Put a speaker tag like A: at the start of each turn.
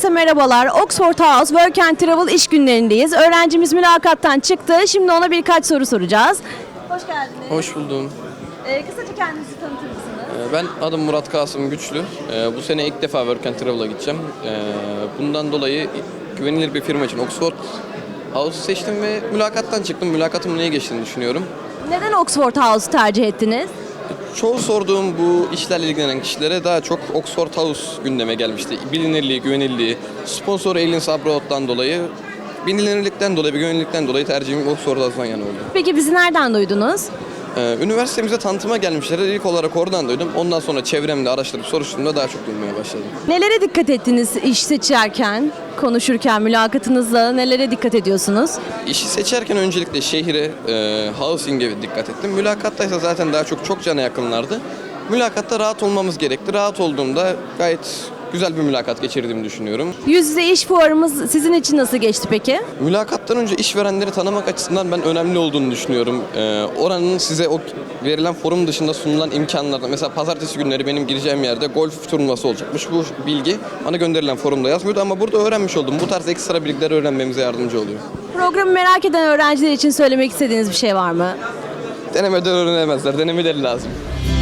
A: Herkese merhabalar. Oxford House Work and Travel iş günlerindeyiz. Öğrencimiz mülakattan çıktı. Şimdi ona birkaç soru soracağız. Hoş geldiniz.
B: Hoş buldum.
A: Kısaca kendinizi tanıtır mısınız?
B: Ben adım Murat Kasım Güçlü. Bu sene ilk defa Work and Travel'a gideceğim. Bundan dolayı güvenilir bir firma için Oxford House'u seçtim ve mülakattan çıktım. Mülakatımın iyi geçtiğini düşünüyorum.
A: Neden Oxford House'u tercih ettiniz?
B: Çoğu sorduğum bu işlerle ilgilenen kişilere daha çok Oxford House gündeme gelmişti. Bilinirliği, güvenilirliği, sponsor Aliens Abroad'dan dolayı, bilinirlikten dolayı, güvenilirlikten dolayı tercihim Oxford House'dan yana oldu.
A: Peki bizi nereden duydunuz?
B: Üniversitemize tanıtıma gelmişler. İlk olarak oradan duydum. Ondan sonra çevremde araştırıp soruşturduğumda daha çok duymaya başladım.
A: Nelere dikkat ettiniz iş seçerken, konuşurken, mülakatınızda nelere dikkat ediyorsunuz?
B: İşi seçerken öncelikle şehire, housing'e dikkat ettim. Mülakattaysa zaten daha çok cana yakınlardı. Mülakatta rahat olmamız gerekti. Rahat olduğumda gayet güzel bir mülakat geçirdiğimi düşünüyorum.
A: Yüz yüze iş fuarımız sizin için nasıl geçti peki?
B: Mülakattan önce işverenleri tanımak açısından ben önemli olduğunu düşünüyorum. Oranın size o verilen forum dışında sunulan imkanlarda, mesela pazartesi günleri benim gireceğim yerde golf turnuvası olacakmış. Bu bilgi bana gönderilen forumda yazmıyordu ama burada öğrenmiş oldum. Bu tarz ekstra bilgileri öğrenmemize yardımcı oluyor.
A: Programı merak eden öğrenciler için söylemek istediğiniz bir şey var mı?
B: Denemeden öğrenemezler, denemeleri lazım.